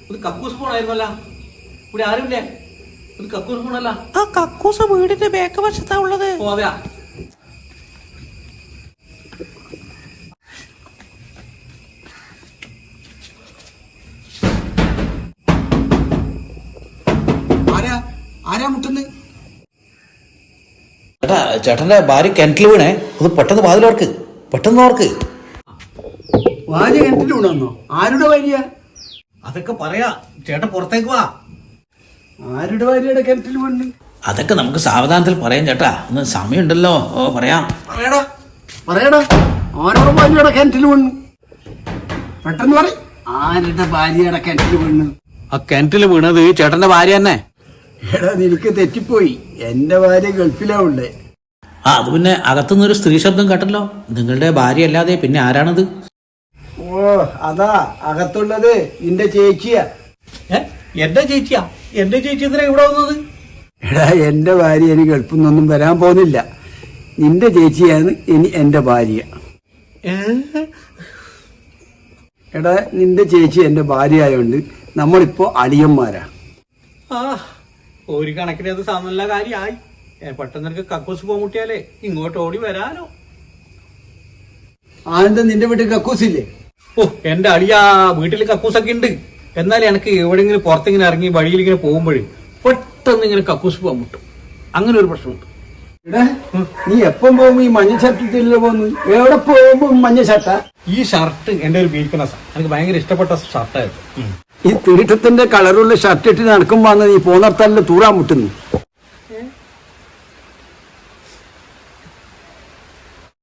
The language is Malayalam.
ഒരു കക്കൂസ് പോണായിരുന്നല്ല, ഇവിടെ ആരുമില്ലേ? ഒരു കക്കൂസ് പോണല്ല. ആ കക്കൂസ് വീടിന്റെ ബാക്ക് വശത്താ ഉള്ളത്. ഓ അതെയാ. ആരാ മുട്ടുന്നത്? ചേട്ടാ, ചേട്ടന്റെ ഭാര്യ കിണറ്റിൽ വീണേ. അത് പെട്ടെന്ന് വാതിലോർക്ക്, പെട്ടെന്ന് ഓർക്ക്. ഭാര്യ കിണറ്റിൽ വീണെന്നോ? ആരുടെ ഭാര്യ? അതൊക്കെ പറയാ, ചേട്ടൻ പുറത്തേക്ക് വാ. ആരുടെ ഭാര്യയുടെ കിണറ്റിൽ വീണ്? അതൊക്കെ നമുക്ക് സാവധാനത്തിൽ പറയാം ചേട്ടാ, ഒന്ന് സമയമുണ്ടല്ലോ. ഓ പറയാം. പറയടാ ആരുടെ ഭാര്യയുടെ കിണറ്റിൽ വീണ്? പെട്ടെന്ന് പറ. ആരുടെ ഭാര്യയുടെ കിണറ്റിൽ വീണ്? ആ കിണറ്റിൽ വീണത് ചേട്ടന്റെ ഭാര്യ തന്നെ. എടാ നിനക്ക് തെറ്റിപ്പോയി, എന്റെ ഭാര്യ ഗൾഫിലാ ഉള്ളേ. ആ അത് പിന്നെ അകത്തുനിന്നൊരു സ്ത്രീ ശബ്ദം കേട്ടല്ലോ. നിങ്ങളുടെ ഭാര്യ അല്ലാതെ പിന്നെ ആരാണത്? ഓ അതാ അകത്തുള്ളത് നിന്റെ ചേച്ചിയാ. എന്റെ ചേച്ചിയാ? എന്റെ ചേച്ചി എന്തിനാ ഇവിടെ വന്നത്? എടാ എന്റെ ഭാര്യ ഇനി ഗൾഫിൽ നിന്നൊന്നും വരാൻ പോകുന്നില്ല. നിന്റെ ചേച്ചിയാണ് ഇനി എന്റെ ഭാര്യ. എടാ നിന്റെ ചേച്ചി എന്റെ ഭാര്യ ആയോണ്ട് നമ്മളിപ്പോ അളിയന്മാരാ. ആ ഒരു കണക്കിന് അത് നല്ല കാര്യമായി. പെട്ടെന്ന് എനിക്ക് കക്കൂസ് പോകാൻ മുട്ടിയാലേ ഇങ്ങോട്ട് ഓടി വരാനോ. ആനന്ദ നിന്റെ വീട്ടിൽ കക്കൂസില്ലേ? ഓ എന്റെ അളിയാ, വീട്ടിൽ കക്കൂസൊക്കെ ഉണ്ട്. എന്നാലും എനിക്ക് എവിടെയെങ്കിലും പുറത്തിങ്ങനെ ഇറങ്ങി വഴിയിൽ ഇങ്ങനെ പോകുമ്പോഴേ പെട്ടെന്ന് ഇങ്ങനെ കക്കൂസ് പോകാൻ മുട്ടും. അങ്ങനെ ഒരു പ്രശ്നമുണ്ട്. എടാ നീ എപ്പം പോകുമ്പോ ഈ മഞ്ഞ ഷർട്ടിട്ടില്ല പോന്നു? എവിടെ പോകുമ്പോ മഞ്ഞ ഷർട്ടാ? ഈ ഷർട്ട് എന്റെ ഒരു വീക്ക്നെസ്സാ. എനിക്ക് ഭയങ്കര ഇഷ്ടപ്പെട്ട ഷർട്ടായിരുന്നു. ഈ തീട്ടത്തിന്റെ കളറുള്ള ഷർട്ട് ഇട്ട് നടക്കുമ്പോ നീ പോന്നടത്തല്ല തൂറാൻ മുട്ടുന്നു.